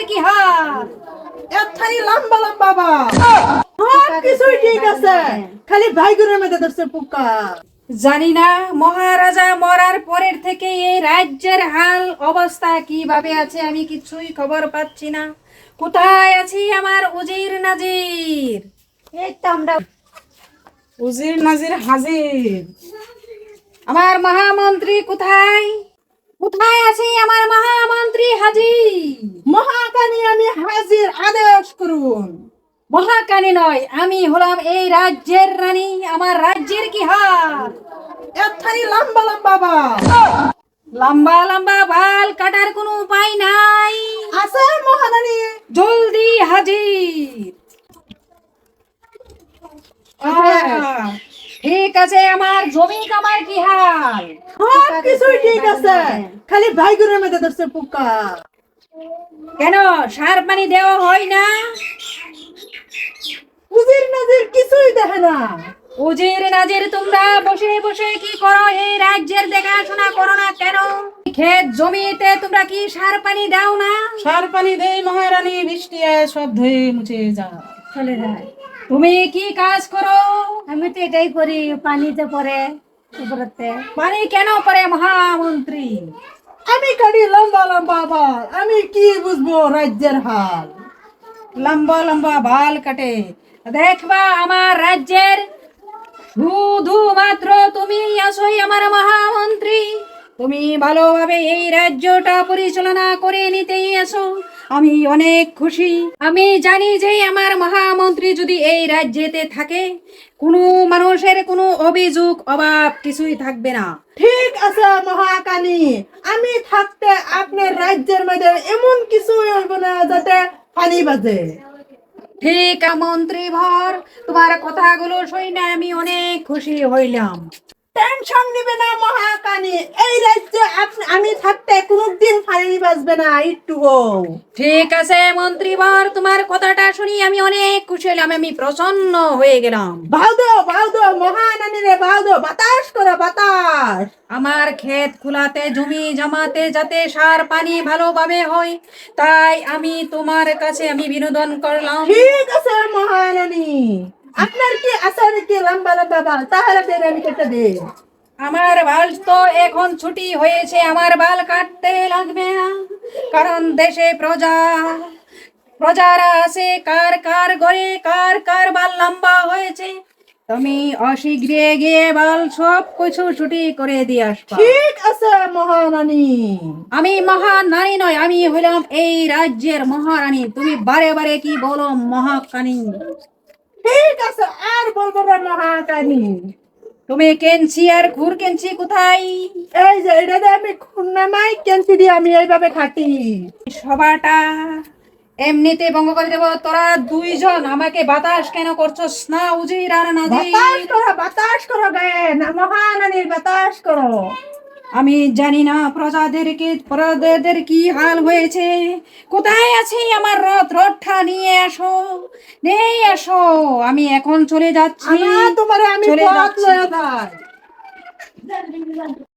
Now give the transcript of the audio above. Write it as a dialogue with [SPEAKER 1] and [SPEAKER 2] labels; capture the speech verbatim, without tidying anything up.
[SPEAKER 1] কি হাল?
[SPEAKER 2] এতখানি লম্বা লম্বা বাল সব কিছুই ঠিক আছে, খালি ভাইগুনের মধ্যে ধরছে পোকা।
[SPEAKER 1] জানি না মহারাজা মরার পরের থেকে এই রাজ্যের হাল অবস্থা কিভাবে আছে, আমি কিছুই খবর পাচ্ছি না। কোথায় আছি আমার উজির নাজির?
[SPEAKER 2] এই তো আমরা উজির নাজির হাজির।
[SPEAKER 1] আমার মহামন্ত্রী কোথায়? কোথায় আছে আমার মহামন্ত্রী হাজি?
[SPEAKER 2] মহাকানি আমি হাজির, আদেশ করুন।
[SPEAKER 1] মহাকানী নয়, আমি হলাম এই রাজ্যের রানী। আমার রাজ্যের কি হাল?
[SPEAKER 2] এতখানি লম্বা লম্বা বাল
[SPEAKER 1] লম্বা লম্বা বাল কাটার কোনো উপায় নাই।
[SPEAKER 2] আছে মহারানী।
[SPEAKER 1] জলদি হাজির। আহ, ঠিক আছে, আমার জমি কামার কি হাল?
[SPEAKER 2] সব কিছুই ঠিক আছে, খালি ভাইগুনের মধ্যে ধরছে পোকা।
[SPEAKER 1] কেন সার পানি দেওয়া হয় না?
[SPEAKER 2] উজির নাজির কিছুই দেখে না।
[SPEAKER 1] উজির নাজির তোমরা বসে বসে কি করো? এই রাজ্যের দেখাশোনা করো না কেন? ক্ষেত জমিতে তোমরা কি সার পানি দাও না?
[SPEAKER 2] সার পানি দেই মহারানী, বৃষ্টি আয় সব ধুয়ে মুছে যা চলে যায়।
[SPEAKER 1] তুমি কি কাজ করো?
[SPEAKER 3] আমি তো এটাই করি, পানিতে পরে উপরতে।
[SPEAKER 1] পানি কেন করে মহামন্ত্রী?
[SPEAKER 2] আমি কাটি লম্বা লম্বা বাল, আমি কি বুঝবো রাজ্যের হাল।
[SPEAKER 1] লম্বা লম্বা বাল কাটে দেখবা আমার রাজ্যের শুধুমাত্র তুমি আসোই আমার মহামন্ত্রী। তুমি ভালোভাবে এই রাজ্যটা পরিচালনা করে নিতেই আসো, আমি অনেক খুশি। আমি জানি যে আমার মহামন্ত্রী যদি এই রাজ্যেতে থাকে, কোনো মানুষের কোনো অভিযোগ অভাব কিছুই থাকবে না।
[SPEAKER 2] ঠিক আছে মহাকানি, আমি থাকতে আপনার রাজ্যের মধ্যে এমন কিছু হইব না যাতে পানি বাজে।
[SPEAKER 1] ঠিক মন্ত্রী ভর, তোমার কথাগুলো শুনে আমি অনেক খুশি হইলাম।
[SPEAKER 2] টেনশন নিবে না মহাকানি, এই রাজ্যে আপনি- আমি থাকতে কোনোদিন পানি বাজবে না একটুও।
[SPEAKER 1] ঠিক আছে মন্ত্রীবর, তোমার কথাটা শুনি আমি অনেক খুশি হলাম, আমি প্রসন্ন হয়ে গেলাম।
[SPEAKER 2] বাউদো বাউদো মহারানী রে, বাউদো বাতাস করো বাতাস।
[SPEAKER 1] আমার ক্ষেত খোলাতে জমি জমাতে যাতে সার পানি ভালোভাবে হয়, তাই আমি তোমার কাছে আমি বিনোদন করলাম।
[SPEAKER 2] ঠিক আছে মহারানী, আপনার কি আছে নাকি লম্বা লম্বা বাল? তাহলে বের আমি কেটে দিই।
[SPEAKER 1] আমার বাল তো এখন ছুটি হয়েছে, আমার বাল কাটতে লাগবে না, কারণ দেশে প্রজা প্রজারা আছে, কার কার ঘরে কার কার বাল লম্বা হয়েছে। তুমি অশীঘ্রে গিয়ে বাল সব কিছু ছুটি করে দিয়ে আসবা।
[SPEAKER 2] ঠিক আছে মহারানী।
[SPEAKER 1] আমি মহান নারী নয়, আমি হইলাম এই রাজ্যের মহারানী। তুমি বারে বারে কি বলো মহাকানী?
[SPEAKER 2] ঠিক আছে, আর বলবো না মহাকানী।
[SPEAKER 1] তুমি কেনছি আর ঘুর কেনছি কোথায়?
[SPEAKER 2] এই যে এটা দিয়ে আমি খুন্না নাই কেনছি দিয়ে আমি এইভাবে খাটি।
[SPEAKER 1] সবাটা এমনিতে ভঙ্গ করে দেবো। তোরা দুইজন আমাকে বাতাস কেন করছস না উজির আর নাজির?
[SPEAKER 2] বাতাস করো বাতাস করো গায়ে না মহারানীর, বাতাস করো।
[SPEAKER 1] আমি জানি না প্রজাদেরকে প্রজাদের কি হাল হয়েছে। কোথায় আছে আমার রথ? রথটা নিয়ে আসো, নিয়ে আসো। আমি এখন চলে যাচ্ছি,
[SPEAKER 2] আমার তোমারে আমি
[SPEAKER 1] চলে
[SPEAKER 2] পথ
[SPEAKER 1] যাচ্ছি।
[SPEAKER 2] লয়ে যাই।